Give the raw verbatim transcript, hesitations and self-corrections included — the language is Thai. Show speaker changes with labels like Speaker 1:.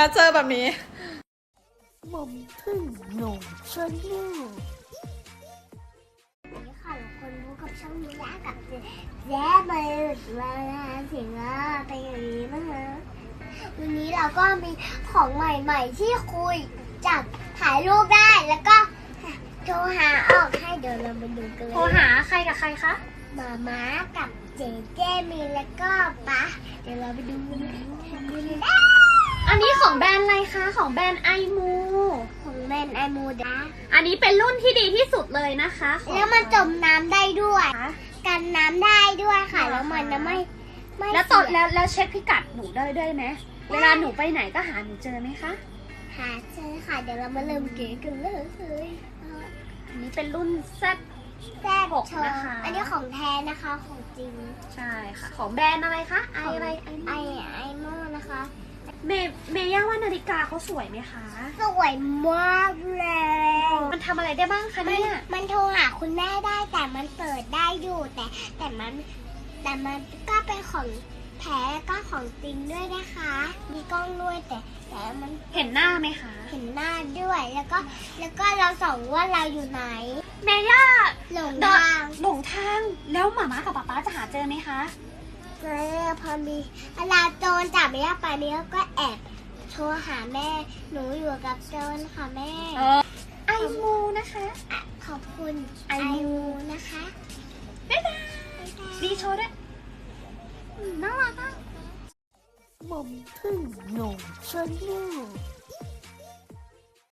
Speaker 1: นะเจอแบบนี้
Speaker 2: หม่อมพึ่งหนุ่มชนลูกนี่ค่ะทุกคนรู้กับช่องนี้แล้วกับเจ๊ไปมาเสียงอ่ะเป็นอย่างนี้นะคะวันนี้เราก็มีของใหม่ๆที่คุยจับถ่ายรูปได้แล้วก็โทรหาออกให้เดี๋ยวเรามาดูกันเลย
Speaker 3: โทรหาใครกับใครคะ
Speaker 2: มาม้ากับเจเจมีแล้วก็ป๊าเดี๋ยวเราไปดูกันเลย
Speaker 3: อันนี้ของแบรนด์อะไรคะ ของแบรนด์ไอมู
Speaker 2: ของแมนไอมูดา
Speaker 3: อันนี้เป็นรุ่นที่ดีที่สุดเลยนะคะของ
Speaker 2: แล้วมันจมน้ำได้ด้วยกันน้ำได้ด้วยค่ะแล้วมันจะไม่ไม่
Speaker 3: แล้วตอน
Speaker 2: เสีย
Speaker 3: แล้วแล้วเช็คพิกัดหนูได้ด้วยไหมเวลาหนูไปไหนก็หาหนูเจอไหมคะ
Speaker 2: หาเจอค่ะเดี๋ยวเรามาเริ่มเก๋กันเลย
Speaker 3: อันนี้เป็นรุ่น Z
Speaker 2: แซ่บ
Speaker 3: หก
Speaker 2: โชว์
Speaker 3: นะคะ
Speaker 2: อันนี้ของแท้นะคะของจริง
Speaker 3: ใช่ค่ะ ของแบรนด์อะไรคะ ไออะไร
Speaker 2: ไอไอโม่นะคะ
Speaker 3: เมย์เมย่าว่านาฬิกาเขาสวยไหมคะ
Speaker 2: สวยมากเลย
Speaker 3: มันทำอะไรได้บ้างคะ
Speaker 2: มัน
Speaker 3: เนี่ย
Speaker 2: มันโทรหาคุณแม่ได้แต่มันเปิดได้อยู่แต่แต่มันแต่มันก็เป็นของแท้ก็ของจริงด้วยนะคะ มีกล้องด้วยแต่แต่มัน
Speaker 3: เห็นหน้าไหมคะ
Speaker 2: เห็นหน้าด้วยแล้วก็แล้วก็เราส่องว่าเราอยู่ไหน
Speaker 3: เมย่า
Speaker 2: หลง
Speaker 3: เดิน
Speaker 2: ทาง
Speaker 3: หลงทาง แล้วหมาม้ากับป๊าป๊าจะหาเจอไหมคะ
Speaker 2: เจอพอมีเวลาโจรจับไม่ได้ไปเนี้ยก็แอบโทรหาแม่ หนูอยู่กับโจรค่ะแม่
Speaker 3: ไอมูนะคะ
Speaker 2: อ่ะขอบคุณ
Speaker 3: ไอ
Speaker 2: ไอ
Speaker 3: มู
Speaker 2: มูนะคะ
Speaker 3: บ๊ายบายดีโชว์ด้วยอืมน่ารักอ่ะ
Speaker 2: หม่อมพึ่งหนุ่มชนลูก